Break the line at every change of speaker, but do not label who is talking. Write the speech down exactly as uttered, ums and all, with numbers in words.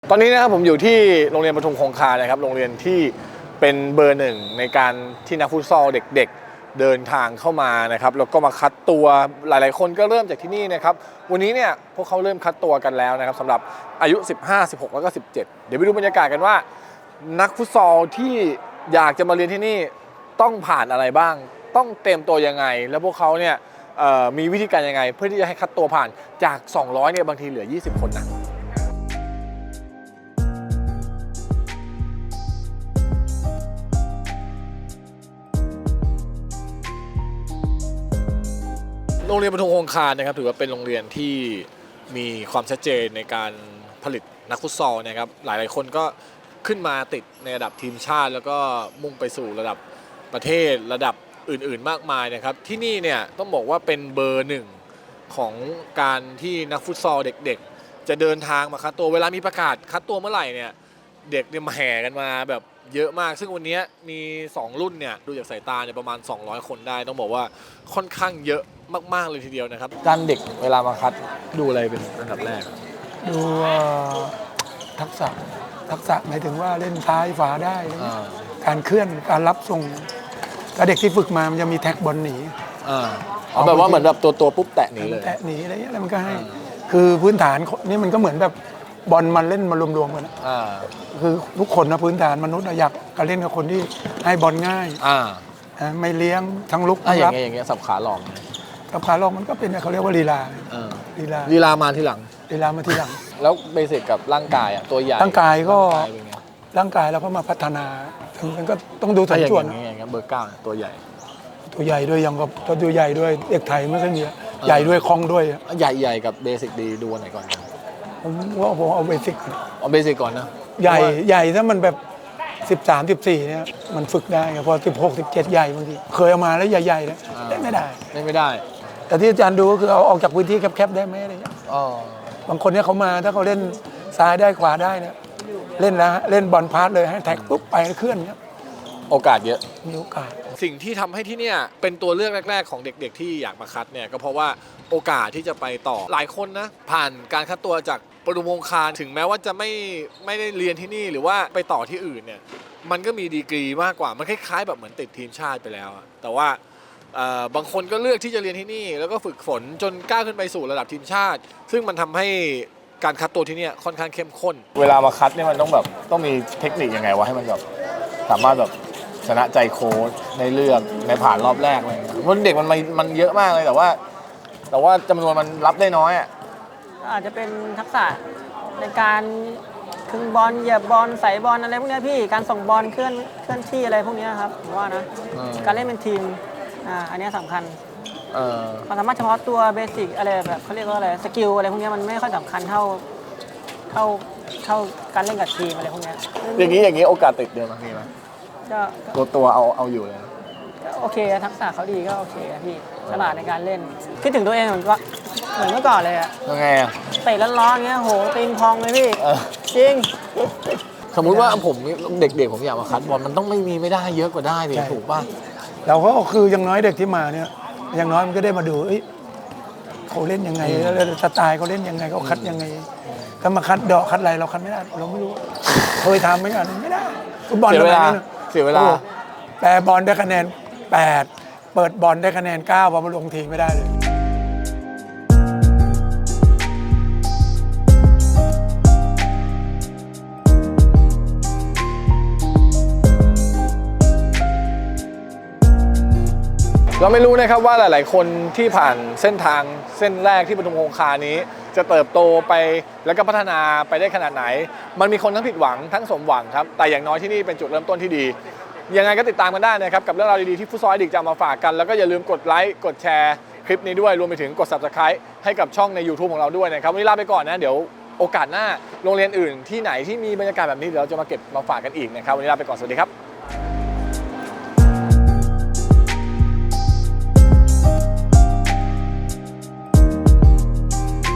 ตอนนี้นะครับผมอยู่ที่โรงเรียนปทุมคงคานะครับโรงเรียนที่เป็นเบอร์หนึ่งในการที่นักฟุตซอลเด็กๆเดินทางเข้ามานะครับแล้วก็มาคัดตัวหลายๆคนก็เริ่มจากที่นี่นะครับวันนี้เนี่ยพวกเขาเริ่มคัดตัวกันแล้วนะครับสำหรับอายุสิบห้า สิบหกแล้วก็สิบเจ็ดเดี๋ยวไปดูบรรยากาศกันว่านักฟุตซอลที่อยากจะมาเรียนที่นี่ต้องผ่านอะไรบ้างต้องเตรียมตัวยังไงแล้วพวกเขาเนี่ยมีวิธีการยังไงเพื่อที่จะให้คัดตัวผ่านจากสองร้อยเนี่ยบางทีเหลือยี่สิบคนนะโรงเรียนปทุมคงคานะครับถือว่าเป็นโรงเรียนที่มีความชัดเจนในการผลิตนักฟุตซอลนะครับหลายๆคนก็ขึ้นมาติดในระดับทีมชาติแล้วก็มุ่งไปสู่ระดับประเทศระดับอื่นๆมากมายนะครับที่นี่เนี่ยต้องบอกว่าเป็นเบอร์หนึ่งของการที่นักฟุตซอลเด็กๆจะเดินทางมาคัดตัวเวลามีประกาศคัดตัวเมื่อไหร่เนี่ยเด็กเนี่ยมาแห่กันมาแบบเยอะมากซึ่งวันนี้มีสองรุ่นเนี่ยดูจากสายตาเนี่ยประมาณสองร้อยคนได้ต้องบอกว่าค่อนข้างเยอะมากๆเลยทีเดียวนะครับด้านเด็กเวลามาคัดดูอะไรเป็นอันดับแรก
ดูทักษะทักษะหมายถึงว่าเล่นซ้ายฝาได้การเคลื่อนการรับส่งถ้าเด็กที่ฝึกมามันจะมีแท็กบอลหนี
เอาแบบว่าเหมือนแบบตัวตัวปุ๊บแตะหนีเลย
แตะหนีอะไรเงี้ยแล้วมันก็ให้คือพื้นฐานนี่มันก็เหมือนแบบบอลมันเล่นมารวมๆกันคือทุกคนนะพื้นฐานมนุษย์อยากการเล่นกับคนที่ให้บอลง่ายไม่เลี้ยงทั้งลุกทั้งรับ
อย่างเงี้ยสับขาหลอก
สับขาหลอกมันก็เป็นเขาเรียกว่าลีลา
ลีลาลีลามาทีหลัง
ลีลามาทีหลัง
แล้วเบสิกกับร่างกายอ่ะตัวใหญ่
ร่างกายก็ร่างกายเราก็มาพัฒนามันก็ต้องดูสัดส่วน
อย่างเงี้ยเบอร์เก้าตัวใหญ่
ตัวใหญ่ด้วยยังก็ตัวใหญ่ด้วยเด็กไทยไม่ค่อยมีใหญ่ด้วยคล่องด้วย
ใหญ่ใหญ่กับเบสิกดีดูอันไหนก่อน
ผมว่าผมเอาเบสิก
เอาเบสิกก่อนนะ
ใหญ่ใหญ่ถ้ามันแบบสิบสาม สิบสี่เนี่ยมันฝึกได้พอสิบหก สิบเจ็ดใหญ่บางทีเคยเอามาแล้วใหญ่ๆแล้วเล่นไม่ได้
เล่นไม่ได้
แต่ที่อาจารย์ดูก็คือเอาออกจากพื้นที่แคบๆได้ไหมอะไรเงี้ยบางคนเนี่ยเขามาถ้าเขาเล่นซ้ายได้ขวาได้เนี่ยเล่นแล้วเล่นบอลพาสเลยให้แท็กปุ๊บไปเคลื่อนเนี่ย
โอกาสเยอะ
มีโอกาส
สิ่งที่ทำให้ที่เนี่ยเป็นตัวเลือกแรกๆของเด็กๆที่อยากมาคัดเนี่ยก็เพราะว่าโอกาสที่จะไปต่อหลายคนนะผ่านการคัดตัวจากปทุมคงคาถึงแม้ว่าจะไม่ไม่ได้เรียนที่นี่หรือว่าไปต่อที่อื่นเนี่ยมันก็มีดีกรีมากกว่ามันคล้ายๆแบบเหมือนติดทีมชาติไปแล้วแต่ว่าบางคนก็เลือกที่จะเรียนที่นี่แล้วก็ฝึกฝนจนก้าวขึ้นไปสู่ระดับทีมชาติซึ่งมันทำให้การคัดตัวที่นี่ค่อนข้างเข้มข้นเวลามาคัดเนี่ยมันต้องแบบต้องมีเทคนิคยังไงวะให้มันแบบสามารถแบบชนะใจโค้ชในเลือกในผ่านรอบแรกอะไรเงี้ยเพราะเด็กมันมันเยอะมากเลยแต่ว่าแต่ว่าจำนวนมันรับได้น้อยอ่ะ
อาจจะเป็นทักษะในการคึงบอลเหยียบบอลใส่บอลอะไรพวกนี้พี่การส่งบอลเคลื่อนเคลื่อนที่อะไรพวกนี้ครับผมว่านะการเล่นเป็นทีมอ่าอันนี้สำคัญความสามารถเฉพาะตัวเบสิกอะไรแบบเขาเรียกว่าอะไรสกิลอะไรพวกนี้มันไม่ค่อยสำคัญเท่าเท่าเท่าการเล่นกับทีมอะไรพวกนี้
อย่างนี้อย่างนี้โอกาสติดเดือนมีไหมตัวตัวเอาเอาอยู่เลย
โอเคทักษะเขาดีก็โอเคพี่ฉลาดในการเล่นคิดถึงตัวเองเหมือนก็เหมือนเมื่อก่อนเลยอะ
ยังไงอะ
เตะร้อนๆเงี้ยโหตีนพองเลยพี่จริง
สมมุติว่าผมเด็กๆผมอยากมาคัดบอลมันต้องไม่มีไม่ได้เยอะกว่าได้ดิถูกป่ะ
เราก็คืออย่างน้อยเด็กที่มาเนี่ยอย่างน้อยมันก็ได้มาดูเขาเล่นยังไงแล้วสไตล์เขาเล่นยังไงเขาคัดยังไงถ้ามาคัดดอกคัดอะไรเราคัดไม่ได้เราไม่รู้เคยทำไหมอ่ะไม่ได้ฟุตบอล
เสียเวลาเสียเวลา
แปรบอลได้คะแนนแปดเปิดบอลได้คะแนนเก้าพอมาลงทีไม่ได้เลย
เราไม่รู้นะครับว่าหลายๆคนที่ผ่านเส้นทางเส้นแรกที่ปทุมคงคานี้จะเติบโตไปแล้วก็พัฒนาไปได้ขนาดไหนมันมีคนทั้งผิดหวังทั้งสมหวังครับแต่อย่างน้อยที่นี่เป็นจุดเริ่มต้นที่ดียังไงก็ติดตามกันได้นะครับกับเรื่องราวดีๆที่ฟุตซอลดิกจะมาฝากกันแล้วก็อย่าลืมกดไลค์กดแชร์คลิปนี้ด้วยรวมไปถึงกด ซับสไครบ์ ให้กับช่องใน ยูทูบ ของเราด้วยนะครับวันนี้ลาไปก่อนนะเดี๋ยวโอกาสหน้าโรงเรียนอื่นที่ไหนที่มีบรรยากาศแบบนี้เดี๋ยวเราจะมาเก็บมาฝากกันอีกนะครับวันนี้ลาไปก่อนสวัสดีครับ